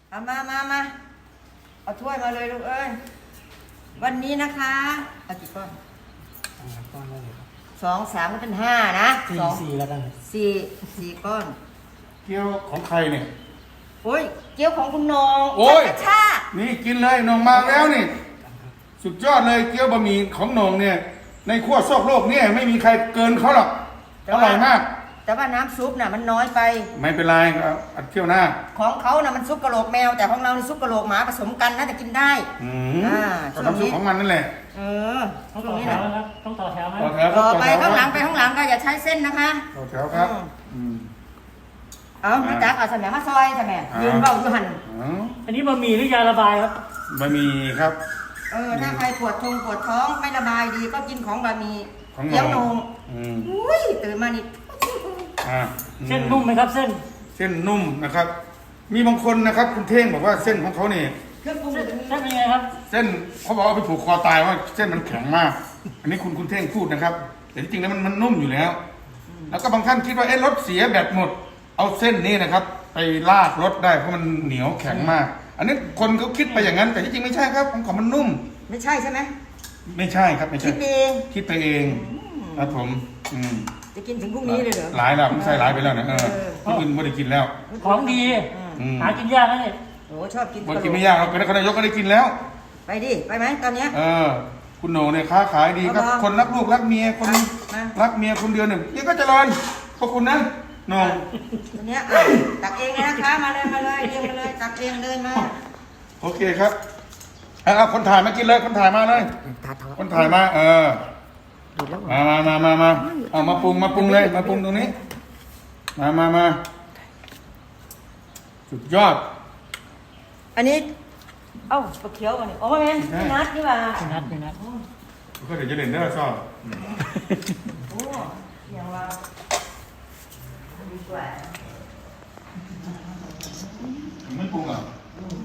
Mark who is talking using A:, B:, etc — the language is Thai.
A: เอามาเอาถ้วยมาเลยลูกเอ้ยวันนี้นะคะเอากี่ก้อน
B: ก้อนได้เลยครับ
A: 2 3ก็เป็น5นะ
B: สี่แล้วกัน
A: สี่ก้อน
C: เกี๊ยวของใครเนี่ย
A: โอ้ยเกี๊ยวของคุณนง
C: โอ้ย
A: ชา
C: นี่กินเลยหนงมาแล้วนี่ สุดยอดเลยเกี๊ยวบะหมี่ของหนงเนี่ย ในขั้วโลกโลกเนี่ยไม่มีใครเกินเขาหรอกอร่อยมาก
A: แต่ว่าน้ำซุปน่ะมันน้อยไป
C: ไม่เป็นไรเอาอัดเที่ยวหน้า
A: ของเขาน่ะมันซุปกระโหลกแมวแต่ของเรานี่ซุปกระโหลกหมาผสมกันน่าจะกินได้
C: อืม
A: อ่า
C: ก็น้ำซุปของมันนั่นแหละ
A: ของตร
B: ต่
A: ง
B: อ
A: นี้
B: แถ
A: นะ
B: วนะครับต้องต่อแถวไหม
C: ต่อแถวค
A: ต่
C: รับ
A: อไปข้างหลังก็อย่าใช้เส้นนะคะ
C: ต่อแถวครับอืม
A: เอามาจักเอาสมัยมาซอยสมัยยืนเบาอยู่หัน
C: อ๋อ
B: อันนี้บะหมี่หรือยาระบายครับ
C: บะหมี่ครับ
A: ถ้าใครปวดท้องไม่ระบายดีก็กินของบะหมี่
C: ของหนง
A: เกี๊ยวโหนง
C: อืม
A: อุ้ยตื่นมานี่
C: อ่า
B: เส้นนุ่มไหมครับเส้น
C: เส้นนุ่มนะครับ มีบางคนนะครับ คุณเท่งบอกว่าเส้นของเขาเนี่ย
A: เครื่องปรุง
B: เส้น
A: อยู่ตรงนี้
B: เส้นเป็นไงครับ
C: เส้นเขาบอกว่าไปผูกคอตายว่าเส้นมันแข็งมาก อันนี้คุณเท่งพูดนะครับ แต่ที่จริงแล้วมันนุ่มอยู่แล้ว แล้วก็บางท่านคิดว่าเอ๊ะรถเสียแบตหมด เอาเส้นนี้นะครับ ไปลากรถได้เพราะมันเหนียวแข็งมาก อันนี้คนเขาคิดไปอย่างนั้น แต่ที่จริงไม่ใช่ครับของมันนุ่ม
A: ไม่ใช่ใช่ไหม
C: ไม่ใช่ครับไม่
A: คิ
C: ใช่
A: ดเอง
C: คิดไปเองครับผมอืม
A: จะกินถึงพรุ่งนี้เลยเหรอ
C: หลายแล้วผมใส่หลายไปแล้วนะคนอื่นไม่ได้กินแล้ว
B: ของดี
C: อืม
B: หากินยากนะเนี่ย
A: โอ้ชอบกิน
C: คนกินไม่ยากเราเป็นนายกก็ได้กินแล้ว
A: ไปดิไปไหมตอนเนี้ย
C: คุณโหน่งเนี่ยค้าขายดีครับ
A: เอามา
C: คนรักลูกรักเมียคน
A: มา
C: รักเมียคนเดียวเนี่ยยังก็เจริญขอบคุณนะโหน่ง
A: ตอนเนี้ยตักเองเลยนะคะมาเลยเรียงมาเลยตักเองเดินมา
C: โอเคครับเอาคนถ่ายมากินเลยคนถ่ายมาเลย
A: ตาทอ
C: คนถ่ายมา
A: ดูแล้ว
C: มาเอามาปรุงเลยมาปรุงตรงนี้มาสุดยอด
A: อันนี้เอ้าปลาเขียวมาเนี่ยโอ้ยแม่พี่นัดนี่ว่า
B: พี่นัด
C: ก็เดี๋ยวจะเล่นเด้อชอบ
A: โอ้ยังว่าดีกว่า
C: ไม่ปรุงอ่ะ